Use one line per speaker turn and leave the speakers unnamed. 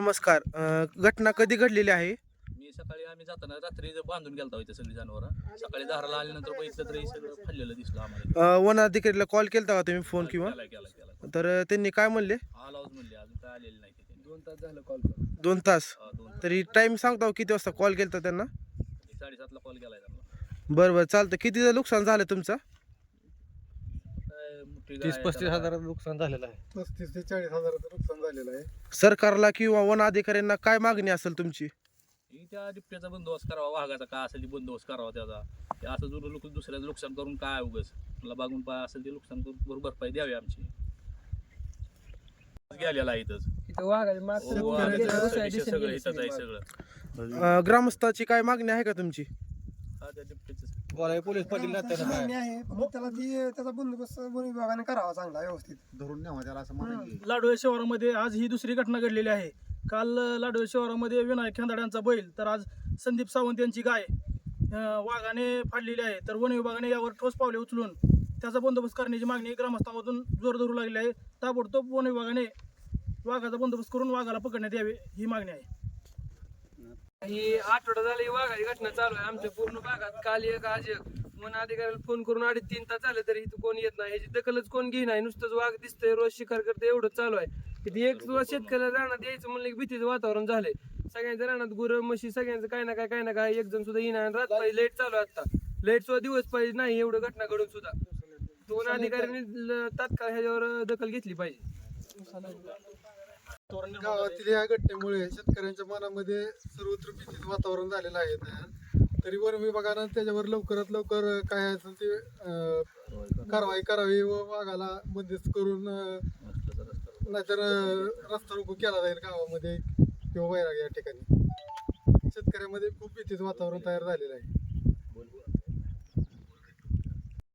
नमस्कार. घटना कधी घडलेली आहे?
मी सकाळी आम्ही जाताना रात्री बांधून गेलता इथे सगळी जनावरं. सकाळी दाराला आल्यानंतर बघितलं तर हे सगळं फाडलेलं दिसलं आम्हाला.
वन अधिकारीला कॉल केलता का तुम्ही फोन किंवा?
केला.
तर त्यांनी काय म्हणले?
आलाच म्हणले अजून काय आलेलं नाही तिथे.
2 तास झालं कॉल करून.
2 तास.
2
तरी टाइम सांगता हो किती वाजता कॉल केलता त्यांना?
7:30ला कॉल केलाय त्यांना.
बरं चालतं. कितीचं नुकसान झालं तुमचं?
काय मोठी गाय
30-35 हजाराचं नुकसान झालेलं आहे.
35 ते 40 हजाराचं नुकसान झालेलं आहे.
सरकारला किंवा वन अधिकाऱ्यांना काय मागणी असेल तुमची?
ही त्या बिबट्याचा बंदोबस्त करावा, वाघाचा काय असेल ते बंदोबस्त करावा त्याचा. ते असं जर लोक दुसऱ्याचं नुकसान करून काय उगस मला बागून पाय असेल ते नुकसान करून बरोबर भरपाई द्यावी आमची. गेलेला आहे इथंच.
इथं वाघाचे मागचं
सगळं इथंच आहे सगळं.
ग्रामस्थाची काय मागणी आहे का तुमची?
हा त्या बिबट्याचं
बोलाय पोलीस पाटील
मागणी आहे पण त्याचा बंदोबस्त वन विभागाने करावा चांगला व्यवस्थित धरून न्यावा त्याला असं म्हणाले.
लाडोळे शहरामध्ये आज ही दुसरी घटना घडलेली आहे. काल लाडोळे शहरामध्ये विनायक खेंदाड्यांचा बैल तर आज संदीप सावंत यांची गाय वाघाने फाडलेली आहे. तर वन विभागाने यावर ठोस पावले उचलून त्याचा बंदोबस्त करण्याची मागणी ग्रामस्थांमधून जोर धरू लागली आहे. ताबडतोब वन विभागाने वाघाचा बंदोबस्त करून वाघाला पकडण्यात यावे ही मागणी आहे.
ही आठवडा झाला ही वाघाची घटना चालू आहे आमच्या पूर्ण भागात. काल एक आज एक वन अधिकाऱ्याला फोन करून 2.5-3 तास झाले तरी इथं कोण येत नाही. ह्याची दखलच कोण घेई नाही. नुसतंच वाघ दिसतंय, रोज शिकार करते, एवढं चालू आहे. इथे एक शेतकऱ्याला रानात यायचं म्हणलं की भीतीचं वातावरण झालंय. सगळ्यांच्या रानात गुरं म्हशी सगळ्यांचं काय ना काय एक जण सुद्धा येणार. रात पाहिजे लाईट चालू आहे. आता लाईट सुद्धा दिवस पाहिजे नाही एवढं घटना घडून सुद्धा. वन अधिकाऱ्यांनी तात्काळ ह्याच्यावर दखल घेतली पाहिजे.
गावातील या घटनेमुळे शेतकऱ्यांच्या मनामध्ये सर्वत्र भीतीचं वातावरण झालेलं आहे. तरी वन विभागानं त्याच्यावर लवकरात लवकर काय असेल ते कारवाई करावी व वाघाला बंदिस्त करून नाहीतर रस्ता रोको केला जाईल गावामध्ये किंवा वैराग या ठिकाणी. शेतकऱ्यामध्ये खूप भीतीचं वातावरण तयार झालेलं आहे.